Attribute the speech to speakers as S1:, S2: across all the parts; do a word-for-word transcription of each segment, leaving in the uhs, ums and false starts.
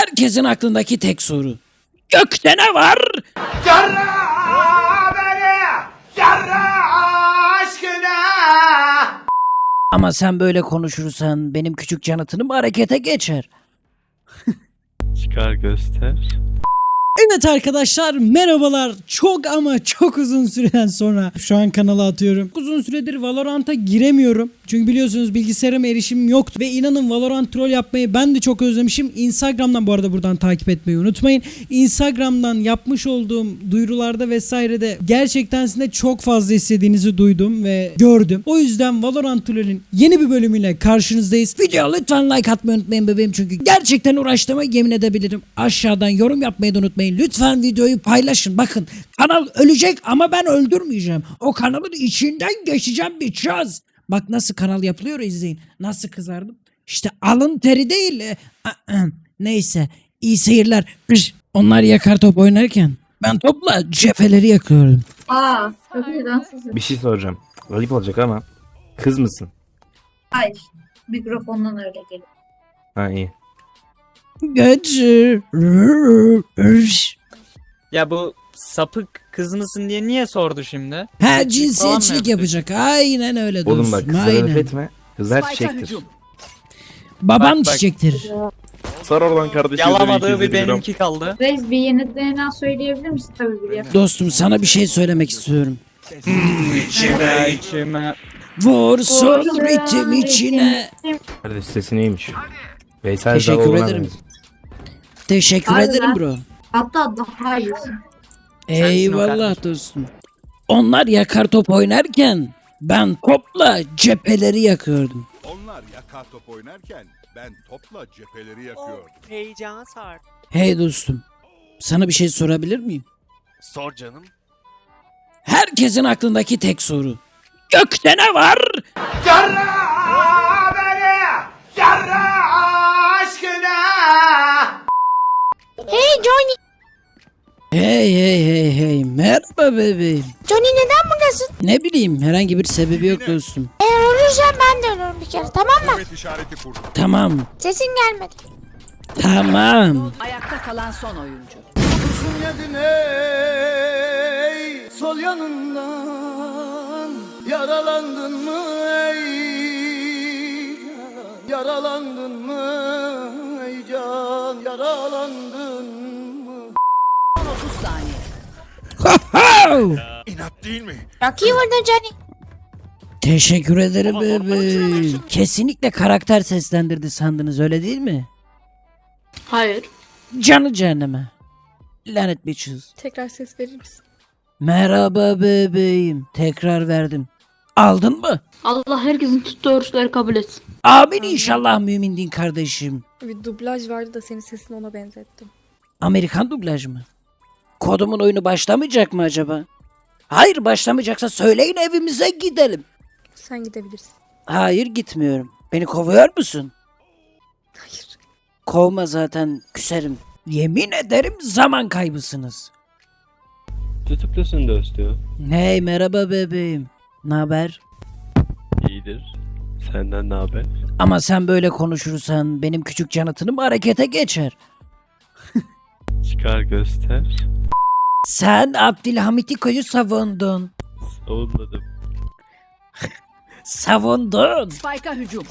S1: Herkesin aklındaki tek soru. Gökte ne var?
S2: Yarra beni, yarra aşkına.
S1: Ama sen böyle konuşursan benim küçük canatınım harekete geçer.
S3: Çıkar göster.
S4: Evet arkadaşlar merhabalar. Çok ama çok uzun süreden sonra şu an kanala atıyorum. Uzun süredir Valorant'a giremiyorum. Çünkü biliyorsunuz bilgisayarıma erişimim yoktu. Ve inanın Valorant troll yapmayı ben de çok özlemişim. Instagram'dan bu arada buradan takip etmeyi unutmayın. Instagram'dan yapmış olduğum duyurularda vesairede gerçekten sizin de çok fazla istediğinizi duydum ve gördüm. O yüzden Valorant troll'ün yeni bir bölümüyle karşınızdayız. Video lütfen like atmayı unutmayın bebeğim. Çünkü gerçekten uğraştığıma yemin edebilirim. Aşağıdan yorum yapmayı da unutmayın. Lütfen videoyu paylaşın. Bakın kanal ölecek ama ben öldürmeyeceğim. O kanalın içinden geçeceğim bir çöz. Bak nasıl kanal yapılıyor izleyin. Nasıl kızardım. İşte alın teri değil. E, Neyse iyi seyirler. Onlar yakar top oynarken ben topla cepheleri yakıyorum.
S5: Aa, çok iyi dansızsın.
S3: Bir şey soracağım. Ayıp olacak ama. Kız mısın?
S5: Hayır, mikrofondan öyle geliyor.
S3: Ha iyi.
S1: Gece.
S6: Ya bu sapık kız mısın diye niye sordu şimdi?
S1: Ha
S6: Seçim falan mı
S1: cinsiyetçilik
S6: yapacak?
S1: yapacak. Aynen öyle dostum.
S3: Oğlum bak kızlara laf
S1: Aynen.
S3: etme. Kızlar çiçektir.
S1: Babam
S6: Bak, bak.
S1: çiçektir.
S3: Sor oradan kardeşim.
S6: Yalamadığı bir benimki kaldı.
S5: Reis bir yeni D N A söyleyebilir misin? Tabii biliyorum.
S1: Dostum sana bir şey söylemek istiyorum.
S6: İçime içime.
S1: Vursun ritim içine.
S3: Kardeş sesi neymiş? Veysel
S1: Teşekkür
S3: Zaloğlu'na
S1: ederim.
S3: benziyor.
S1: Teşekkür
S5: Harbiden.
S1: ederim bro.
S5: Hatta daha iyisin.
S1: Eyvallah dostum. Onlar yakar top oynarken ben topla cepheleri yakıyordum.
S7: Onlar yakar top oynarken ben topla cepheleri yakıyorum.
S8: Heyecan sar.
S1: Hey dostum. Sana bir şey sorabilir miyim?
S8: Sor canım.
S1: Herkesin aklındaki tek soru. Gökte ne var?
S2: Yarra beni, yarra aşkına.
S9: Hey Johnny.
S1: Hey hey hey hey. Merhaba bebeğim.
S9: Johnny neden buradasın?
S1: Ne bileyim herhangi bir sebebi yok dostum.
S9: Eğer ölürsen ben de ölürüm bir kere, tamam mı?
S7: Evet işareti kurdum.
S1: Tamam.
S9: Sesin gelmedi.
S1: Tamam.
S10: Ayakta kalan son oyuncu.
S2: Ey, sol yanından yaralandın mı ey can? Yaralandın mı ey can? Yaralandın mı?
S10: otuz saniye.
S7: İnat değil mi?
S9: Çok iyi vurdun Johnny.
S1: Teşekkür ederim bebeğim. Kesinlikle karakter seslendirdi sandınız öyle değil mi?
S5: Hayır.
S1: Canı cehenneme. Lanet bitches.
S9: Tekrar ses verir misin?
S1: Merhaba bebeğim. Tekrar verdim. Aldın mı?
S5: Allah herkesin tuttuğu oruçları kabul etsin.
S1: Amin inşallah mümin din kardeşim.
S9: Bir dublaj vardı da senin sesini ona benzettim.
S1: Amerikan dublaj mı? Kodumun oyunu başlamayacak mı acaba? Hayır başlamayacaksa söyleyin evimize gidelim.
S9: Sen gidebilirsin.
S1: Hayır gitmiyorum. Beni kovuyor musun?
S9: Hayır.
S1: Kovma zaten küserim. Yemin ederim zaman kaybısınız.
S3: Tutuklusun dostum.
S1: Hey merhaba bebeğim. Naber?
S3: İyidir. Senden ne haber?
S1: Ama sen böyle konuşursan benim küçük canatınım harekete geçer.
S3: Çıkar göster.
S1: Sen Abdülhamitiko'yu savundun.
S3: Savunmadım.
S1: Savundun.
S10: Spike'a hücum.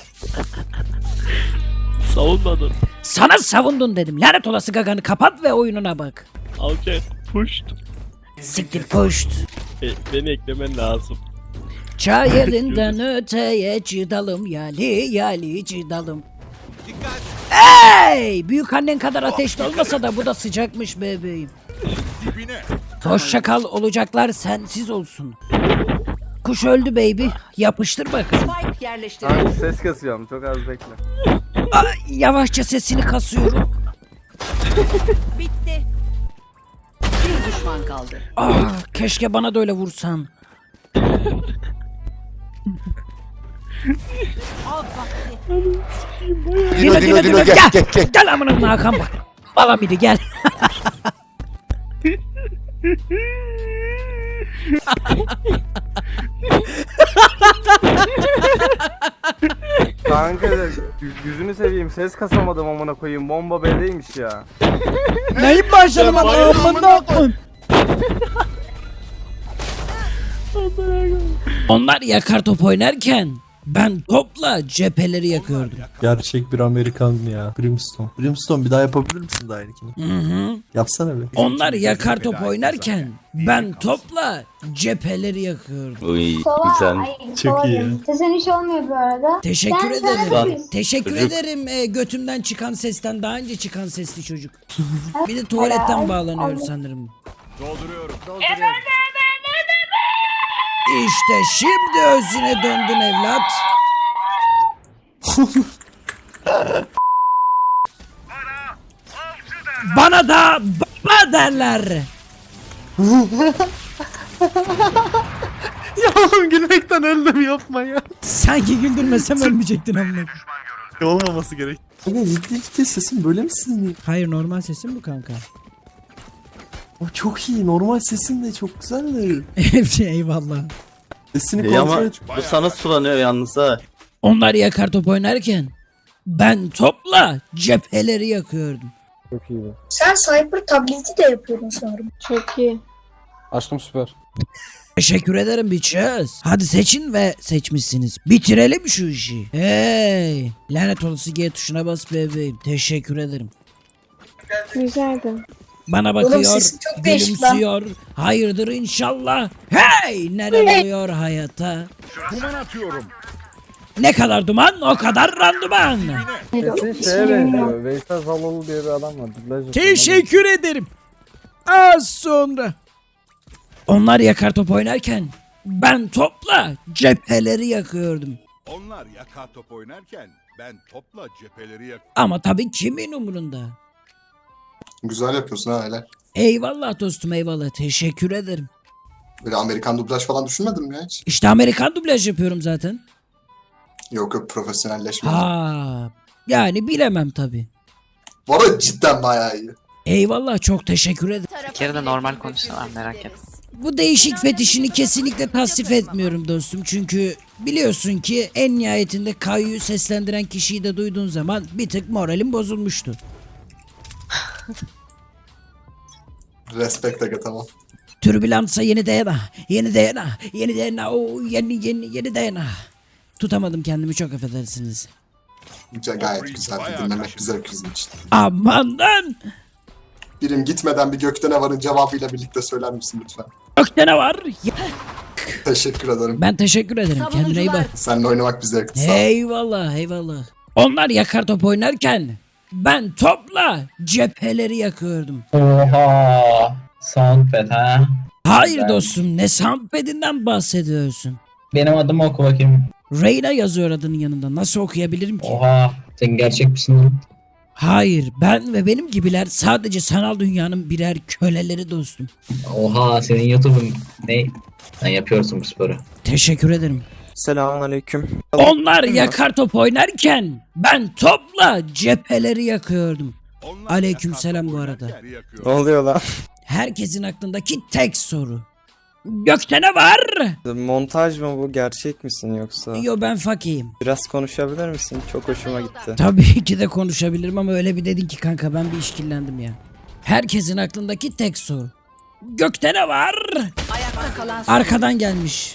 S3: Savunmadım.
S1: Sana savundun dedim. Lanet olası gaganı kapat ve oyununa bak.
S3: Alçak. Puşt.
S1: Siktir puşt.
S3: E, beni eklemen lazım.
S1: Çay elinden öteye cidalım yali yali cidalım. Hey! Büyük annen kadar ateşli olmasa da bu da sıcakmış bebeğim.
S7: Dibine.
S1: Hoşça kal olacaklar sensiz olsun. Kuş öldü baby. Yapıştır bakalım.
S10: Spike yerleştirildi.
S11: Ses kasıyorum, çok az bekle.
S1: Ay, yavaşça sesini kasıyorum.
S10: Bitti. Bir düşman kaldı.
S1: Ah, keşke bana da öyle vursan. Dino Dino Dino gel gel gel. Gel amına Hakan bak. Bala biri gel.
S2: Kanka yüzünü seveyim ses kasamadım amına koyayım bomba B'deymiş ya.
S4: Neyin başlama amına koyayım.
S1: Onlar yakar top oynarken ben topla cepheleri yakıyordum.
S11: Gerçek bir Amerikan ya. Brimstone. Brimstone bir daha yapabilir misin daha aynıkini?
S1: Hı hı.
S11: Yapsana be.
S1: Onlar yakar top oynarken ben topla cepheleri yakıyordum.
S3: Uy
S11: Çok iyi ya.
S12: Sesin hiç olmuyor bu arada.
S1: Teşekkür ederim.
S12: Lan.
S1: Teşekkür ederim e, götümden çıkan sesten daha önce çıkan sesli çocuk. Bir de tuvaletten bağlanıyor sanırım.
S7: Dolduruyorum.
S1: İşte şimdi özüne döndün evlat. Bana da baba derler.
S11: Ya oğlum gülmekten öldüm yapma ya.
S4: Sanki güldürmesem ölmeyecektin amına.
S11: Olmaması gerek. Kanka ciddi ciddi sesin böyle mi sizin?
S4: Hayır normal sesim bu kanka.
S11: O çok iyi. Normal sesin de çok güzeldi.
S4: Eyvallah.
S11: Sesini
S3: İyi ama
S11: kontrol et.
S3: bu sana sulanıyor yalnız ha.
S1: Onlar yakar top oynarken ben topla cepheleri yakıyordum.
S12: Sen Cyber tableti de yapıyordun sanırım.
S5: Çok iyi.
S2: Aşkım süper.
S1: Teşekkür ederim bitches. Hadi seçin ve seçmişsiniz. Bitirelim şu işi. Hey. Lanet olası G tuşuna bas bebeğim. Teşekkür ederim.
S5: Güzeldi.
S1: Bana
S12: Oğlum
S1: bakıyor,
S12: sesin çok değişik lan.
S1: gülümsüyor. Hayırdır inşallah. Hey! Neler oluyor hayata?
S7: Duman atıyorum.
S1: Ne kadar duman, o kadar randıman.
S2: Kesin şeye benziyor. Veysel Zaloğlu diye bir adam var. Dublaj
S1: Teşekkür ederim. Az sonra. Onlar yakar top oynarken ben topla cepheleri yakıyordum.
S7: Onlar yakar top oynarken ben topla cepheleri yak.
S1: Ama tabii kimin umurunda?
S2: Güzel yapıyorsun ha helal.
S1: Eyvallah dostum eyvallah. Teşekkür ederim.
S2: Böyle Amerikan dublaj falan düşünmedin mi ya hiç?
S1: İşte Amerikan dublaj yapıyorum zaten.
S2: Yok yok profesyonelleşme.
S1: Ha, yani bilemem tabii.
S2: Bu arada cidden bayağı iyi.
S1: Eyvallah çok teşekkür ederim.
S8: Bir kere de normal konuşsalar merak etme.
S1: Bu değişik fetişini kesinlikle tasvip etmiyorum dostum. Çünkü biliyorsun ki en nihayetinde Kayu'yu seslendiren kişiyi de duyduğun zaman bir tık moralim bozulmuştu.
S2: Respect aga tamam.
S1: Türbülansa yeni D N A, yeni D N A, yeni D N A, o yeni yeni yeni D N A. Tutamadım kendimi çok affedersiniz.
S2: Güzel, gayet güzel. Dinlemek güzel bizim için.
S1: Amandan!
S2: Birim gitmeden bir gökte ne varın cevabıyla birlikte söyler misin lütfen?
S1: Gökte ne var? Ya-
S2: Teşekkür ederim.
S1: Ben teşekkür ederim. Kendine iyi bak.
S2: Seninle oynamak bir zevkti. Sağ ol.
S1: Eyvallah eyvallah. Onlar yakar top oynarken ben topla cepheleri yakıyordum.
S6: Oha. Soundpad ha.
S1: Hayır dostum ne soundpad'inden bahsediyorsun?
S6: Benim adımı oku bakayım.
S1: Reyna yazıyor adının yanında. Nasıl okuyabilirim ki?
S6: Oha. Sen gerçek misin lan?
S1: Hayır ben ve benim gibiler sadece sanal dünyanın birer köleleri dostum.
S6: Oha senin YouTube'un ne? Sen yapıyorsun bu sporu.
S1: Teşekkür ederim.
S8: Selamünaleyküm.
S1: Onlar yakar top oynarken ben topla cepheleri yakıyordum.
S7: Onlar
S1: Aleykümselam
S7: yakar top
S1: bu arada.
S7: oynarken yakıyor.
S8: oluyor lan?
S1: Herkesin aklındaki tek soru. Gökte ne var?
S8: Montaj mı bu? Gerçek misin yoksa?
S1: Yo ben fakiyim.
S8: Biraz konuşabilir misin? Çok hoşuma gitti.
S1: Tabii ki de konuşabilirim ama öyle bir dedin ki kanka ben bir işkillendim ya. Herkesin aklındaki tek soru. Gökte ne var?
S10: Ayakta kalan son
S1: Arkadan gelmiş.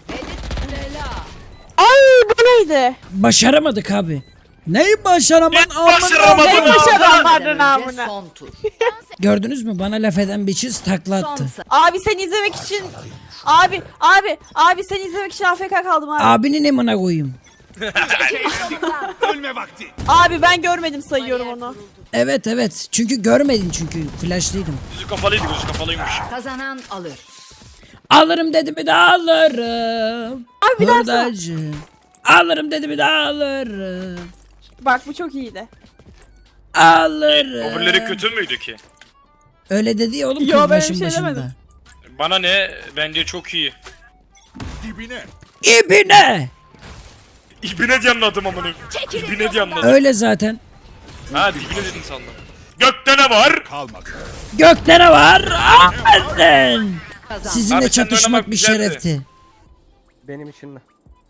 S5: Neydi?
S1: Başaramadık abi.
S4: Neyi başaramadın?
S10: başaramadın amına. Son tur.
S1: Gördünüz mü? Bana laf eden bir çiz takla
S10: Son
S1: attı.
S10: sayı.
S5: Abi sen izlemek için... Abi, abi, abi sen izlemek için A F K kaldım abi.
S1: Abinin emine koyayım.
S7: Ölme vakti.
S5: Abi ben görmedim sayıyorum onu.
S1: Evet evet. Çünkü görmedin çünkü. Flashlıydım.
S10: Kazanan alır.
S1: Alırım dedi mi de alırım.
S5: Abi bir daha sor.
S1: Hurdacı. Alırım dedi mi de alırım.
S5: Bak bu çok iyiydi.
S1: Alırım.
S13: Öbürleri kötü müydü ki?
S1: Öyle dedi ya oğlum kız
S5: Yo, ben bir
S1: başın
S5: şey
S1: başında.
S5: demedim.
S13: Bana ne? Bence çok iyi.
S7: Dibine.
S1: İbine.
S13: İbine diye anladım amına. İbine diye anladım.
S1: Öyle zaten.
S13: Ha dibine dedin sandım. Gökte ne var?
S7: Kalmadı.
S1: Gökte ne var? Aferin.
S10: Kazan.
S1: Sizinle
S13: Abi, seninle
S1: çatışmak
S13: oynamak
S1: bir
S13: güzeldi.
S1: şerefti.
S2: Benim için de.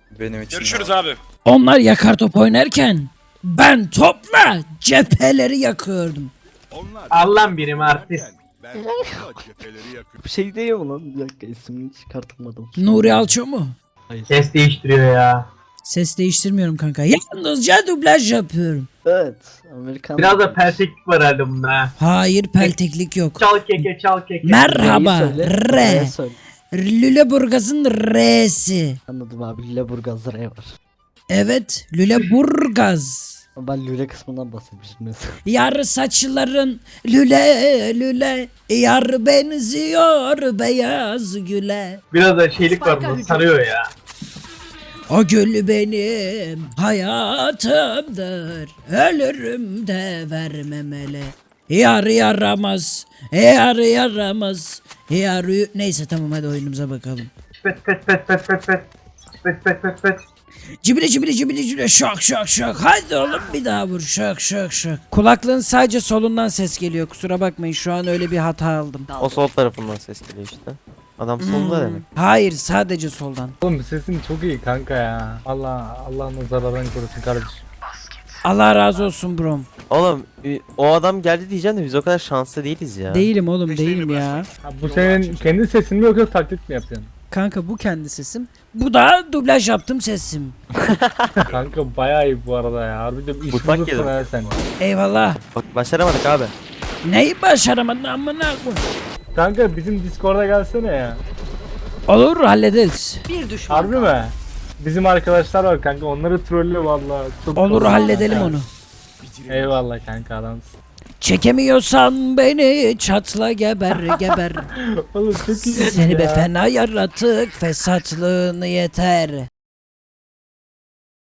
S8: Benim için.
S13: Görüşürüz abi.
S1: Onlar yakar top oynarken ben topla cepheleri yakıyordum.
S7: Onlar
S6: Allah'ım birim artist.
S7: ben topla cepheleri yakıyorum.
S3: Bir şey değil mi lan? Bir dakika ismini çıkartamadım.
S1: Nuri Alço mu?
S6: Ses değiştiriyor ya.
S1: Ses değiştirmiyorum kanka. Yalnızca dublaj yapıyorum.
S3: Evet. Amerikan.
S6: Biraz da pelteklik var herhalde bunda ha.
S1: Hayır pelteklik yok.
S6: Çal keke çal keke.
S1: Merhaba R.
S3: Söyle.
S1: Lüleburgaz'ın R'si.
S3: Anladım abi. Lüleburgaz R var.
S1: Evet Lüleburgaz.
S3: Ben Lüle kısmından bahsetmiştim mesela.
S1: Yar saçların lüle lüle. Yar benziyor beyaz güle.
S6: Biraz da şeylik var bunda sarıyor ya.
S1: O gül benim hayatımdır. Ölürüm de vermemeli. Yar yaramaz. Yar yaramaz. Yar y- Neyse tamam hadi oyunumuza bakalım.
S6: Pet pet pet pet pet pet. Pet pet pet pet.
S1: Cibili cibili cibili cibili şak şak şak. Hadi oğlum bir daha vur şak şak şak. Kulaklığın sadece solundan ses geliyor. Kusura bakmayın şu an öyle bir hata aldım.
S3: O sol tarafından ses geliyor işte. Adam solda demek.
S1: Hayır sadece soldan.
S2: Oğlum sesin çok iyi kanka ya. Allah Allah nazarlardan korusun kardeşim.
S1: Allah razı olsun brom.
S3: Oğlum o adam geldi diyeceğim de biz o kadar şanslı değiliz ya.
S1: Değilim oğlum değilim ya.
S2: Ha, bu senin kendi sesin mi yoksa taklit mi yapıyorsun?
S1: Kanka bu kendi sesim. Bu da dublaj yaptım sesim.
S2: Kanka bayağı iyi bu arada ya. Harbiden iş
S3: Mutfak
S2: bulursun
S3: yedim.
S2: ha sen.
S1: Eyvallah.
S3: Bak başaramadık abi.
S1: Neyi başaramadın amına koy.
S2: Kanka bizim Discord'a gelsene ya.
S1: Olur hallederiz.
S10: Bir düşman.
S2: Harbi mi? Bizim arkadaşlar var kanka onları trolle vallahi. Çok
S1: Olur
S2: kolay.
S1: halledelim onu.
S2: Eyvallah kanka adamsın.
S1: Çekemiyorsan beni çatla geber geber.
S2: Oğlum çok iyi.
S1: Seni
S2: ya.
S1: be fena yaratık fesatlığını yeter.